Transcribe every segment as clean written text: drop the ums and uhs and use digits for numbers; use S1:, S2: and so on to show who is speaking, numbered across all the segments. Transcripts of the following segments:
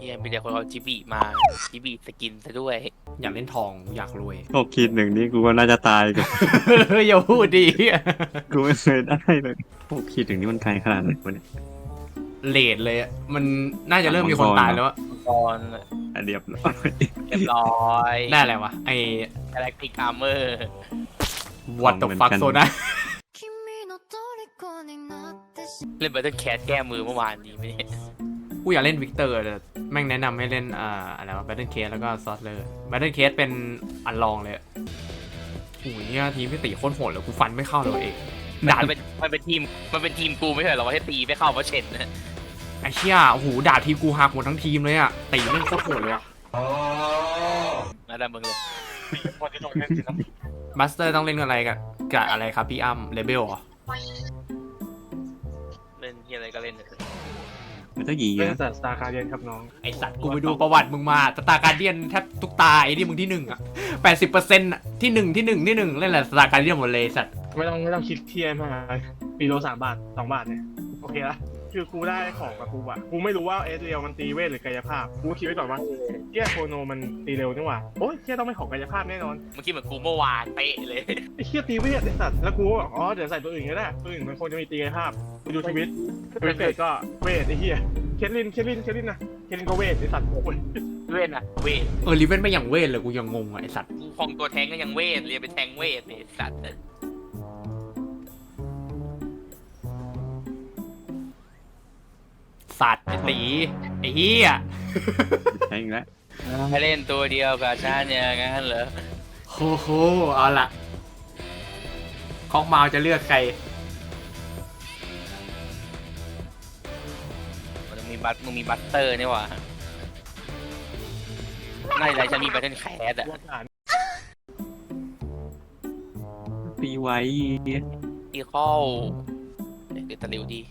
S1: ยมีแต่คนเอาจิบีมาจิบีสกินซะด้วย
S2: อยากเล่นทองอยากรวย
S3: 6-1นี่กูว่าน่าจะตายกัน
S2: อย่าพูดดี
S3: กูไม่เคยได้เลย6-1นี่มันไกลขนาดไหนวะเนี่ย
S2: เลดเลยอะมันน่าจะเริ่มมีคนตายแล้วอะ
S1: ตอน
S3: อ่ะเรียบร้อย
S1: เรียบร้อย
S2: ได้อะไรวะไอ
S1: กาแล็กติกอาร์เมอร์
S2: what the fuck โซนะ
S1: เล่น Battle Cat แก้มือเมื่อวานนี้ไม่ได้
S2: กูอยากเล่นวิกเตอร์แต่แม่งแนะนำให้เล่นอะไรวะ Battle Case แล้วก็ Sorcerer Battle Case เป็นอันลองเลยโอ้ยเนี่ยทีมพี่ตีโคตรโหดเลยกูฟันไม่เข้าเลยเองดาบ
S1: มันเป็นทีมกูไม่ใช่เหรอว่าให้ตีไม่เข้าเพราะเช็ดนะ
S2: ไอ้เชี่ยโอ้โหดาบทีมกูหักหมดทั้งทีมเลยอะตีแม่งโคตรโหดเลยอะ
S1: มาดันมึงเลย
S2: บัสเตอร์ต้องเล่นอะไรกับอะไรครับพี่อ้ำเลเบลเหรอ
S1: เล่นที่อะไรก็เล่น
S3: มันต้องหยี
S4: เป็
S3: เย
S4: น
S3: อะ
S4: สัตว์สตาร์คาเดียนครับน้อง
S2: ไอสัตว์กูไปดูประวัติมึงมาสตาร์การเดียนแทบทุกตาไอ้ที่มึงที่หนึ่งอะ80%อะที่หนึ่งเล่นแหละสตาร์การเดียนหมดเลยสัตว์
S4: ไม่ต้องคิดเทียนมากปีโล3 บาท 2 บาทเนี่ยโอเคละคือกูได้ของกับกูอะกูไม่รู้ว่าเอสเรียวมันตีเวทหรือกายภาพกูคิดไว้ก่อนว่าเกียโคโนมันตีเร็วนี่หว่าโอ้ยเกียต้องเป็นของกายภาพแน่นอน
S1: เมื่อกี้เหมือนกูเมื่อวานเป๊ะเลย
S4: ไอ้เกียตีเวทไอ้สัตว์แล้วกูบอกอ๋อเดี๋ยวใส่ตัวอื่นก็ได้ตัวอื่นมันคงจะมีตีกายภาพกูดูทวิตเวทก็เวทไอ้เหี้ยเคทลินนะเคทลินก็เวทไอ้สัตว์โอ้ย
S1: เวทอะเวท
S2: ลิเวนไม่อย่างเวทเลยกูยังงงอะไอสัตว์
S1: กูของตัวแทงก็ยังเวทเรียนเป็นแทงเวทเนี่ยสัตว์
S2: สัตว์ไอตีไอเฮีย
S3: ใช่อีกแล้ว
S1: ให้เล่นตัวเดียวกับฉันอย่างนั้นเหรอ
S2: โอ้โหเอาละคอกเมาจะเลือกใคร
S1: มึงมีบัตเตอร์นี่หว่าไม่ไรฉันมีบัตเทิลแคสอะ
S3: ตีไว้
S1: อีคอลเดี๋ยวตะหลิวดี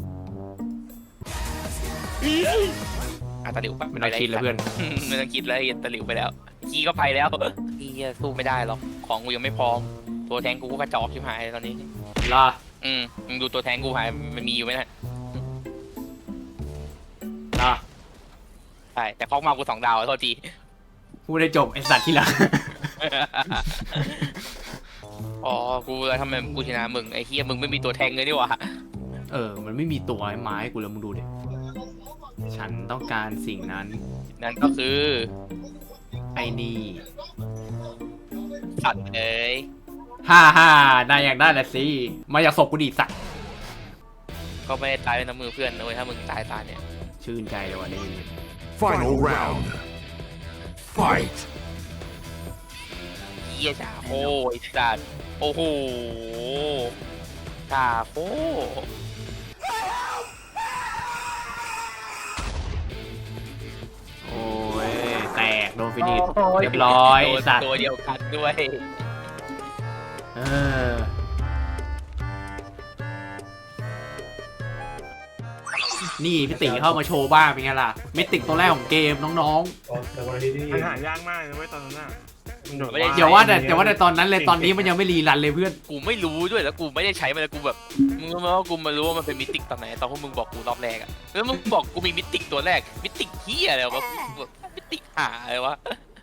S1: ตะหลิวปะ
S2: ไม่ต้องคิดเลยเพื่อน
S1: ไม่ต้องคิดแล้วตะหลิวไปแล้วกีก็ไปแล้วกีสู้ไม่ได้หรอกของกูยังไม่พร้อมตัวแทงกูก็กระจอกชิบหายตอนนี้
S2: ล่ะ
S1: มึงดูตัวแทงกูหายมันมีอยู่ไหมนะ
S2: ล่ะ
S1: ใช่แต่คอกมากู2 ดาวโทษที
S2: พูดได้จบไอสัตว์ที่ละ
S1: อ๋อกูแล้วทำไมกูชนะมึงไอ้เฮียมึงไม่มีตัวแทงเลยนี่หว่า
S2: มันไม่มีตัวไม้กูแล้วมึงดูดิฉันต้องการสิ่งนั้น
S1: นั่นก็คือ
S2: ไอ้นี่
S1: สัตว์เอ้ย
S2: ฮ่านายอยากได้แหละสิมาอยากศพกูดิสัตว์
S1: ก็ไม่ได้ตายในน้ำมือเพื่อนนะเว้ยถ้ามึงตายตาเนี่ย
S2: ชื่นใจเลยว่ะนี่
S5: Final round. Fight.
S1: เฮียจ่าโอ้ไอ้สัตว์โอ้โหจ่าโอ้
S2: โอ้ยแตกโดนฟินิชเรียบร้อยไอ้สัตว์
S1: ตัวเดียวกันด้วย
S2: เออนี่พี่ติเข้ามาโชว์บ้างเป็นไงล่ะมิติกตัวแรกของเกมน้อง
S4: มันหายากมากเลยเว้ยตอนนั้นน่ะมันโดด
S2: ๆอย่าว่าแต่ตอนนั้นเลยตอนนี้มันยังไม่รีรันเลยเพื่อน
S1: กูไม่รู้ด้วยแล้วกูไม่ได้ใช้มันเลยกูแบบมึงรู้ไหมว่ากูมารู้ว่ามันเป็นมิติกตอนไหนตอนพวกมึงบอกกูรอบแรกอะแล้วมึงบอกกูมีมิติกตัวแรกมิติกเฮียอะไรวะมิติกหาอะไรวะ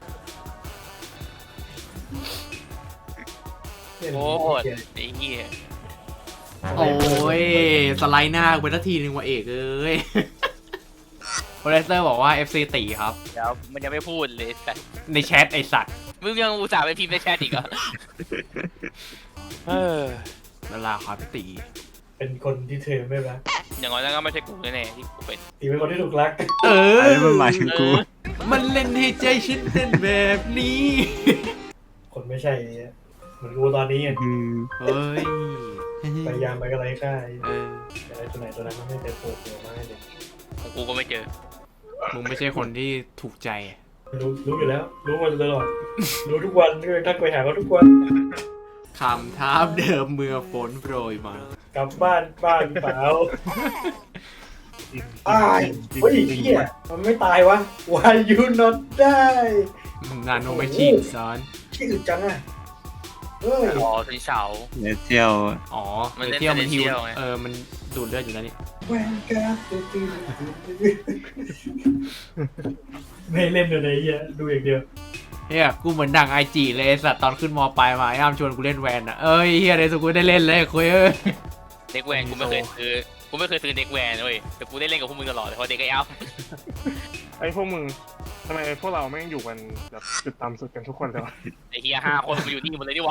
S1: โอ้ยไอ้เฮีย
S2: โอ้ยสไลด์หน้าไปทักทีนึงว่ะเอกเอ้ยโปรเซอร์บอกว่า FC ตีครับ
S1: เดี๋ยวมันยังไม่พูดเลยแต่
S2: ในแชทไอสัตว์
S1: มึงยังอุตส่าห์ไปพิมพ์ในแชทอีกเหรอเออ
S2: เวลาครับพี่ตี
S6: เป็นคนที่เธอไม่รัก
S1: อย่างน้อยแล้วก็ไม่ใช่กูแน่ๆที่กูเป็น
S6: ตีเป็นคนที่ถูกรัก
S2: เอ
S3: อันนี้มันหมายถึงกู
S2: มันเล่นให้ใจฉันเต้นแบบนี้
S6: คนไม่ใช่เหมือนกูตอนนี้ไง
S3: อืม
S2: เฮ้ย
S6: พยายามไปก็ไรค่าย
S2: เออ
S6: แต่ไอ้ตัวไหนตัวนั้นมันไม่เจอปวดหัวมากเลย
S1: ของกูก็ไม่เจอ
S2: มึงไม่ใช่คนที่ถูกใจ
S6: รู้อยู่แล้ว รู้มาตลอดรู้ทุกวันก็ทักไปหาเขาทุกวัน
S2: คำท้าเดิมเมื่อฝนโปรยมาก
S6: ลับบ้านเปล่าตายเฮ้ยเหี้ยมันไม่ตายวะ Why you not die
S2: นาโนไม่ชิงซ้อน
S6: ที่อึดจังอ่ะเฮ้ย
S1: อ๋อเป็นเสา
S3: เนเจียว
S2: อ๋อ
S1: มันเล่น
S2: เที่ยวมันฮิว
S1: Celestial ไง
S2: มันดูดเลือดอยู่แล้วนี่
S6: แวนการ์ดไม่เล่นเลยไอ้เหี้ยดูอย่างเดียว
S2: เฮียกูเหมือนดังไอจีเลยไอ้สัตว์ตอนขึ้นมปลายมาไอ้อ้ามชวนกูเล่นแวนอะเอ้ยเฮียในสุดกูได้เล่นเลยคุยเอ้ย
S1: เด็กแวนกูไม่เคยซื้อเด็กแวนเว้ยแต่กูได้เล่นกับพวกมึงตลอดเลยเพราะเด็กไอ้อ้ำ
S4: ไอ้พวกมึงทำไมพวกเราไม่งอยู่กันแบบจุดต่ำสุดกันทุกคนเลยวะ
S1: ไอ้เฮีย5 คนมาอยู่นี่หมดเลยดีกว่า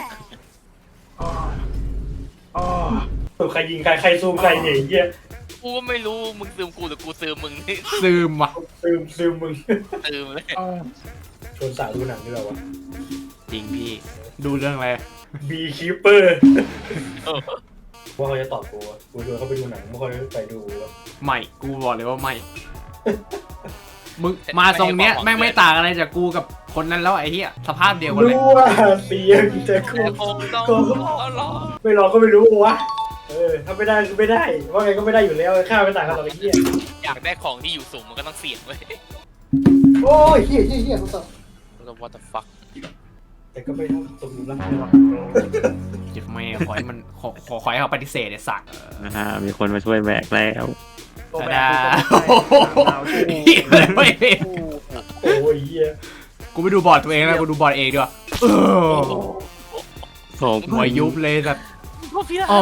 S4: อ๋อ
S6: ตัวใครยิงใครซูมใครเนี่ยไอ้เหี้ย
S1: กูก็ไม่รู้มึงซึมกูหรือกูซึมมึง
S2: ซึมว่ะ
S6: ซึมมึง
S1: ซึมเลย
S6: ชวนสาวดูหนังด้วยวะ
S2: จริงพี่ดูเรื่องอะไร
S6: บีคีเปอร์
S1: เออ
S6: ว่าเขาจะตอบกูอะกูชวนเขาไปดูหนังไม่ค่อยไปดูวะ
S2: ไม่กูบอกเลยว่าไม่มึงมาตรงเนี้ยแม่งไม่ต่างอะไรจากกูกับคนนั้นแล้วไอ้เหี้ยสภาพเดียวกันเลย
S6: รู้ว่าเสียงจะกู
S1: แต่คงต้องรอ
S6: ไม่รอก็ไม่รู้วะถ้าไม่ได้ก็ไม่ได้ว่าไงก็ไม่ได้อยู่แล้วข้าไม่ต่างกันหรอกไอ้เหี้ย
S1: อยากได้ของที่อยู่สูงมันก็ต้องเสี่ยงเว้ย
S6: โอ้ยเหี้ยกูตอบ
S1: แล้ว what the fuck
S6: แต่ก็ไม่เท่าสมบูรณ์แล้ว
S2: เจ็บแม่ขอให้มันขอให้เขาปฏิเสธไอ้สัตว์
S3: มีคนมาช่วยแบกแล้ว
S4: ตัว
S2: ตา
S4: แบ
S2: ดา
S4: บ
S2: โอ้โหเหี้ยเลยเว้ย
S6: โอ้ยเหี้ย
S2: กูไม่ดูบอร์ดตัวเองนะกูดูบอร์ดเองด้วยเออ
S3: โอ้
S2: หัวยุบเลยแบบ
S1: พวกพี่
S2: อ๋อ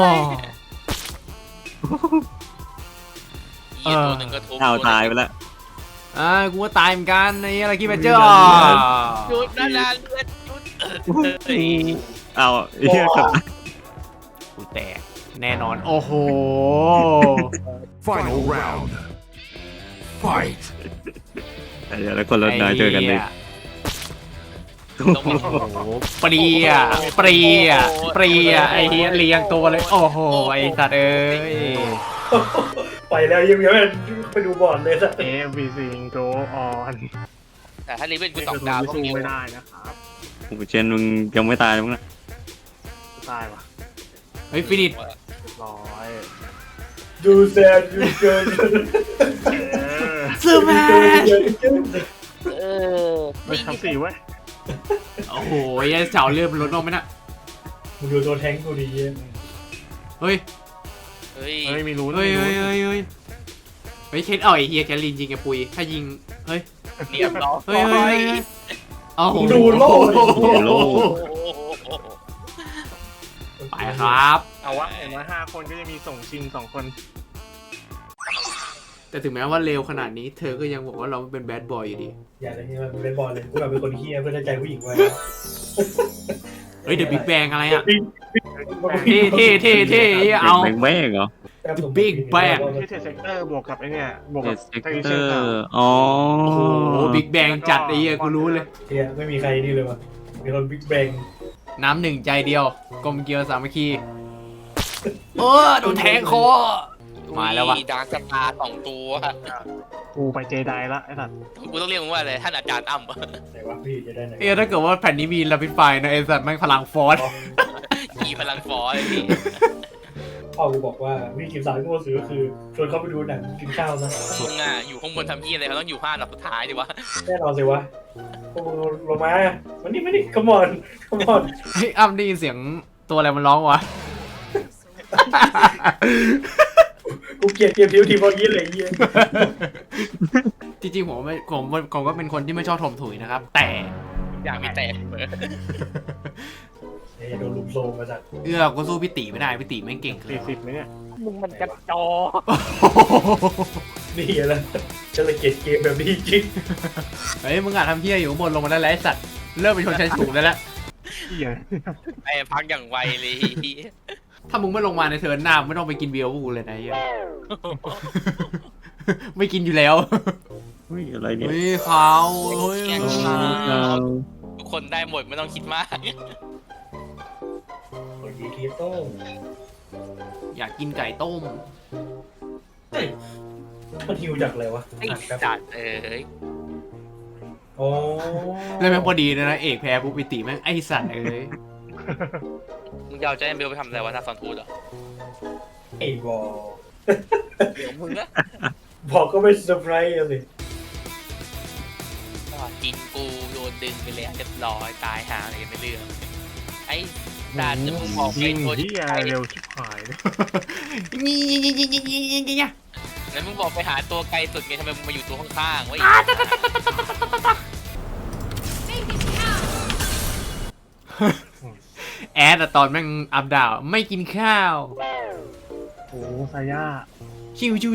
S1: เหี้ยตัวหนึ่งก็ทุบ
S3: เอาตายไปแล้ว
S2: กูก็ตายเหมือนกันไอ้อะไรกี้แมเจอร์
S1: จุดนานๆเลือดจุด
S3: เอาเฮียกับ
S2: กูแตกแน่นอนโอ้โห
S5: Final round. Fight.
S3: เดี๋ยวแล้วคนรถน้อยเจอกันดิ
S1: ต้องมี
S2: โอ้โหเปรียเปรียไอ้เหี้ยเรียงตัวเลยโอ้โหไอ้สัตว์เอ้ย
S6: ไปแล้วยังไปดูบอลเลยสัก
S4: เอฟวีซิงโกออน
S1: แต่ถ้าลิเวนกู
S4: นี่
S1: ส
S4: คือ
S1: องดาวก็
S4: สู้
S1: มี
S4: ไม่ได้นะครับ
S3: โอ้โหเชนมึงยังไม่ตายมั้งนะ
S4: ตายว่ะ
S2: เฮ้ยฟินิช
S4: เรียบร้อย
S6: ดูแซนดูเกิน
S2: ซูแมน
S1: เออ
S4: ไม่ทำสี่เว้ย
S2: โอ้โหไอ้เสาเลื่อนมันลดลงไหมน่ะ
S6: มึงดูตัวแทงกูดีเยี่ย
S2: เฮ้ย
S1: เฮ้ย
S4: เฮ้ยมีรู้
S2: เฮ้ยเฮ้ยเฮ้ยเฮ้ยเฮ้ยเคนไอ้เฮียแคลรินยิงไอ้ปุยถ้ายิงเฮ้ย
S1: เรียบร้อย
S2: เฮ้ยเฮ้ยเฮ้ยโอ้โห
S6: ดูโลก
S3: โล
S2: ไปครับ
S4: เอาวะเห็นว่า5 คนก็จะมีส่งชิง2 คน
S2: แต่ถึงแม้ว่าเร็วขนาดนี้เธอก็ยังบอกว่าเราเป็นแบดบอยอยู่ดี
S6: อย่าเลยที่มันเป็นบอลเลยกูแบบเป็นคนเฮี้ยเพื่อได้ใจผู้หญิงไว้
S2: เฮ้ยเดอะบิ๊กแบงอะไรอ่ะ
S6: ที่
S2: เท่เอา
S3: แบงแม่งเหรอ
S2: Big Bang
S4: ที่เทสเซกเตอร์บวกกับไอ้เนี่ยบวก
S3: เอ
S4: กับ
S3: สเซก
S4: ไทย
S3: เต
S4: เช
S3: อน
S4: ขาว
S3: ร์อ๋อ
S2: โอ้โหบิ๊กแบงจัดไอ้เหี้ยกูรู้เลย
S6: เฮียไม่มีใครนี่เลยว่ะมีคนบิ๊กแบง
S2: น้ำหนึ่งใจเดียวกลมเกลียวสามัคคีโดนแทงคอมาแล้ววะ
S1: ดาร์กสตาร์2 ตัว
S4: กูไปเจไดละไอ้สัตว์
S1: กูต้องเรียกมึงว่าอะไรท่านอาจารย์อ้ำ
S6: ไหนวะพี่จะได้ไหน
S2: ถ้าเกิดว่าแผ่นนี้มีลาปิดไฟนะไอ้สัตว์แม่งพลังฟอส
S1: ขี่พลังฟอร์เลยพี่
S6: พ่อกูบอกว่าวิธีสารที่กูซื้อคือชวนเขาไปดูหนังกินข้าวนะ
S1: มึงอ่ะอยู่ข้างบนทำยี่อะไรเขาต้องอยู่5 อันดับสุดท้ายดิวะ
S6: แน่นอนสิวะพวกมึงลงมาวันนี้ come on
S2: เฮ้ยอ้ำได้ยินเสียงตัวอะไรมันร้องวะ
S6: กูเกลียดเกมทีมพอกี้เลยเฮีย
S2: จริงๆผมก็เป็นคนที่ไม่ชอบถมถุยนะครับ แต่
S1: อยากมีแตกเหมือน
S6: โดนลุมโซมมาจาก
S2: ก็สู้พี่ตีไม่ได้พี่ตีแม่งเก่งเกิน
S4: 40ไหมเนี่ย
S1: มึงมันกระจอ
S6: นี่แหละฉันเลยเกลียดเกมแบบนี้จริง
S2: เฮ้ยมึงอาจทำเพี้ยอยู่ข้างบนลงมาได้แล้วไอ้สัตว์เริ่มเป็นชนชั้นสูงได้แล้ว
S4: เหี้ย
S1: ไอ้พักอย่างไวเลย
S2: ถ้ามึงไม่ลงมาในเทิร์นหน้าไม่ต้องไปกินเบียร์พวกกูเลยนะไอ้เหี้ย ไม่กินอยู่แล้ว
S3: เฮ้ยอะไรเนี่ย
S2: เฮ้ยเขาเฮ้ย
S1: ทุกคนได้หมดไม่ต้องคิดมาก
S6: คนดีคีโต้
S2: อยากกินไก่ต้ม
S6: มันฮิวจากอะไรวะ
S1: ไอ้
S6: ครับ
S1: จัดย
S6: อ๋อ
S2: แล้วแม่งพอดีเลยนะเอกแพ้ปุ๊บพี่ตีแม่งไอสัตว์เอ้ย
S1: มึงจะเอาใจเบลไปทำอะไรวะหน้าซอนทูดเหรอ
S6: ไอ้บอล
S1: เดี๋ยวมึงนะ
S6: บอกก็ไม่เซอร์ไพรส์เลย
S1: กินกูโดนดึงไปแล้วเรียบร้อยตายหาอะไรกันไม่เรื่องไอ้สัตว์จะมึงบอกไป
S4: ยิง
S1: ตัว
S4: ที่อะไรเร็วชิบหายเลย
S2: นี่
S1: แล้วมึงบอกไปหาตัวไกลสุดไงทำไมมึงมาอยู่ตัวข้างๆวะ
S2: แอดอะตอนแม่งอัพดาวไม่กินข้าว
S4: โอ้ซาย่า
S2: ชิว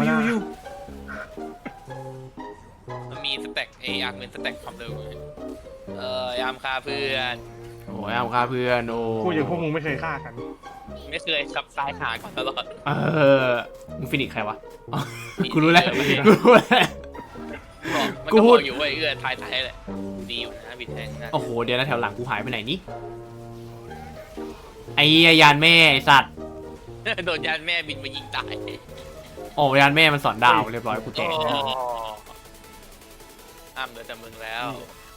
S1: มันมีสแต็กยามเป็นสแต็กความเร็วยามฆ่าเพื่อน
S2: โอ้ยเอาค่าเพื่อนโอ้
S4: พูดอย่างพวกมึงไม่เคยฆ่ากัน
S1: ไม่เคยขับซ้ายหาก่อนตลอด
S2: มึงฟินิกใครวะอ๋อกูรู้แล้วกูรู้แล้ว
S1: มัน
S2: กู
S1: ก็
S2: พู
S1: บ
S2: ด
S1: อกอยู่ว่าเอื้อทายแหละดีอยู่นะบิดแทงนะ
S2: โอ้โหเดี๋ยวนะแถวหลังกูหายไปไหนนี่ไอ้ยานแม่ไอ้สัตว์
S1: โดนยานแม่บินมายิงตาย
S2: โอ้ยานแม่มันสอนดาวเรียบร้อยกูแจก
S1: อ้ามเหลือแต่มึงแล้ว